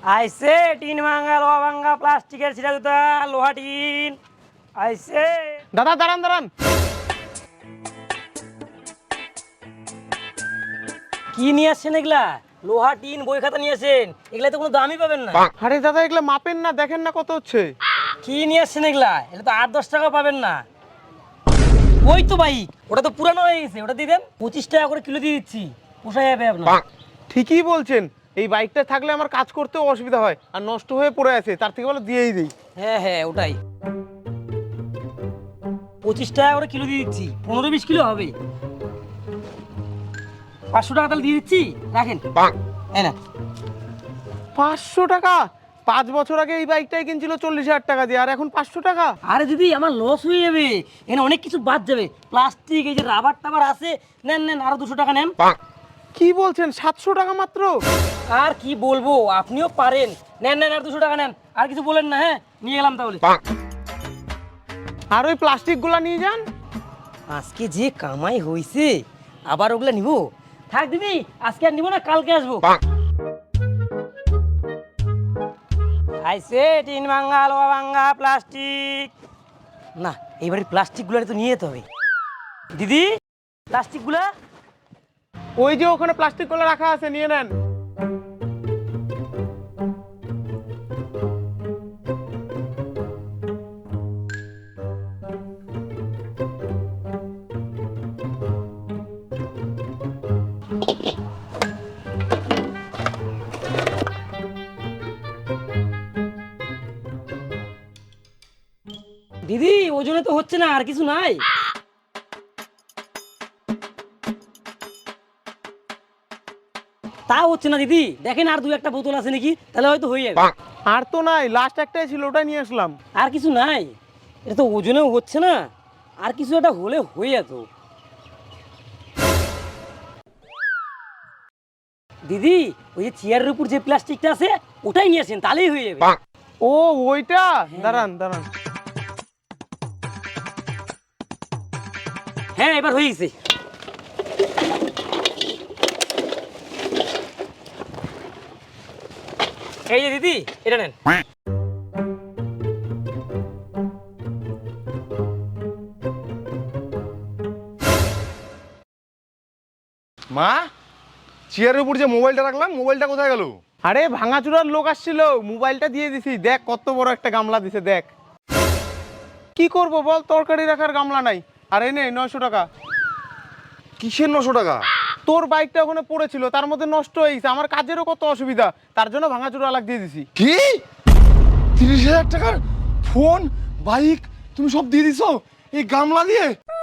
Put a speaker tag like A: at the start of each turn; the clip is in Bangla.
A: আইসে টিন ভাঙা লোহা ভাঙা প্লাস্টিকের ছিটা জুতা লোহা টিন আইসে।
B: দাদা দাঁড়ান দাঁড়ান।
A: কি নিয়ে আসছেন এগুলা? লোহা টিন বই খাতা নিয়ে আসেন, এগুলা তো কোনো দামই পাবেন না।
B: আরে দাদা এগুলো মাপেন না, দেখেন না কত হচ্ছে।
A: কি নিয়ে আসছেন এগুলা? এটা তো 8-10 টাকা পাবেন না। ওই তো বাইক, ওটা তো পুরানো হয়ে গেছে, ওটা দিয়ে দেন। 25 টাকা করে কিলো দিয়ে দিচ্ছি, পোষায় যাবে আপনার।
B: ঠিকই বলছেন, এই বাইকটা থাকলে আমার কাজ করতেও অসুবিধা হয়, আর নষ্ট হয়ে পড়ে আছে, তার থেকে বলো দিয়েই দিই।
A: হ্যাঁ হ্যাঁ ওটাই, 25 টাকা করে কিলো দিয়ে দিচ্ছি, 15-20 কিলো হবে। 500 টাকা তাহলে দিয়ে দিচ্ছি, রাখেন। এই না
B: 500 টাকা? 5 বছর আগে এই বাইকটাই কিনছিল 40,000 টাকা দিয়ে, আর এখন 500 টাকা?
A: আরে দিদি আমার লস হয়ে যাবে, এখানে অনেক কিছু বাদ যাবে। প্লাস্টিক, এই যে রাবার টাবার আছে, নেন নেন আরো 200 টাকা নেন।
B: কি বলছেন, 700 টাকা মাত্র?
A: আর কি বলবো, আপনিও পারেন। নেন নেন আর 200 টাকা নেন, আর কিছু বলেন না। হ্যাঁ নিয়ে গেলাম তাহলে।
B: আর ওই প্লাস্টিকগুলো নিয়ে যান।
A: আজকে যে কামাই হইছে, আবার ওগুলা নিব? থাক দিদি, আজকে আর নিব না, কালকে আসবো। আইসে টিন ভাঙা লোহা ভাঙা প্লাস্টিক। না এইবারে প্লাস্টিকগুলো তো নিয়ে যেতে হবে। দিদি প্লাস্টিকগুলা
B: ওই যে ওখানে প্লাস্টিকগুলো রাখা আছে, নিয়ে নেন।
A: দিদি ওজনে তো হচ্ছে না, আর কিছু নাই? তা হচ্ছে না দিদি, দেখেন আর 2-1টা বোতল আছে নাকি, তাহলে হয়তো হয়ে যাবে।
B: আর তো নাই, লাস্ট একটাই ছিল, ওটা নিয়ে আসলাম।
A: আর কিছু নাই? এটা তো ওজনেও হচ্ছে না, আর কিছু একটা হলে হয়ে যেত। দিদি ওই যে চেয়ারের উপর যে প্লাস্টিকটা আছে, ওটাই নিয়ে আসেন, তাহলেই হয়ে যাবে।
B: ও ওইটা, দাঁড়ান দাঁড়ান।
A: হ্যাঁ এবার হয়ে গেছে। এই যে দিদি এটা নেন।
C: মা, চেয়ারের উপর যে মোবাইলটা রাখলাম, মোবাইলটা কোথায় গেল?
B: আরে ভাঙাচুরার লোক আসছিল, মোবাইলটা দিয়ে দিছি। দেখ কত বড় একটা গামলা দিছে, দেখ। কি করব বল, তরকারি রাখার গামলা নাই। আর এই নে 900 টাকা।
C: কিসের 900 টাকা?
B: তোর বাইকটা ওখানে পড়েছিল, তার মধ্যে নষ্ট হয়ে গেছে, আমার কাজেরও কত অসুবিধা, তার জন্য ভাঙাচুরা লাগ দিয়ে দিছি।
C: কি 30,000 টাকার ফোন, বাইক তুমি সব দিয়ে দিছো এই গামলা দিয়ে?